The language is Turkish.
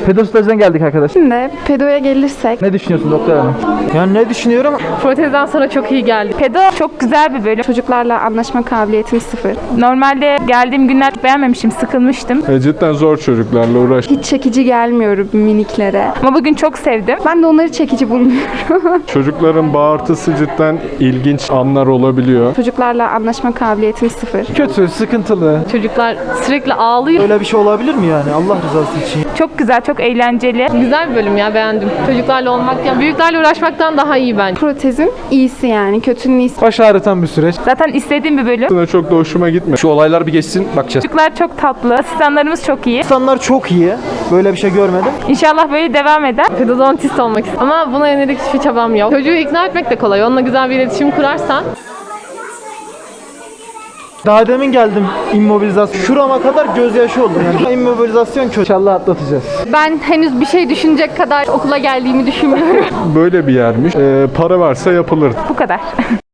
Pedo stajına geldik arkadaş. Şimdi pedoya gelirsek. Ne düşünüyorsun doktor hanım? Yani ne düşünüyorum? Protezden sonra çok iyi geldi. Pedo çok güzel bir bölüm. Çocuklarla anlaşma kabiliyetim sıfır. Normalde geldiğim günler beğenmemiştim, sıkılmıştım. Cidden zor çocuklarla uğraş. Hiç çekici gelmiyorum miniklere. Ama bugün çok sevdim. Ben de onları çekici bulmuyorum. Çocukların bağırtısı cidden ilginç anlar olabiliyor. Çocuklarla anlaşma kabiliyetim sıfır. Kötü, sıkıntılı. Çocuklar sürekli ağlıyor. Öyle bir şey olabilir mi yani Allah rızası için? Çok güzel, çok eğlenceli. Güzel bir bölüm ya, beğendim. Çocuklarla olmak, ya büyüklerle uğraşmaktan daha iyi bence. Protezin iyisi yani. Kötünün iyisi. Baş ağrıtan bir süreç. Zaten istediğim bir bölüm. Aslında çok da hoşuma gitmiyor. Şu olaylar bir geçsin bakacağız. Çocuklar çok tatlı, asistanlarımız çok iyi. İnsanlar çok iyi. Böyle bir şey görmedim. İnşallah böyle devam eder. Pedodontist olmak istiyorum ama buna yönelik hiçbir çabam yok. Çocuğu ikna etmek de kolay. Onunla güzel bir iletişim kurarsan. Daha demin geldim immobilizasyon. Şurama kadar gözyaşı oldu yani. İmmobilizasyon kötü. İnşallah atlatacağız. Ben henüz bir şey düşünecek kadar okula geldiğimi düşünmüyorum. Böyle bir yermiş. Para varsa yapılır. Bu kadar.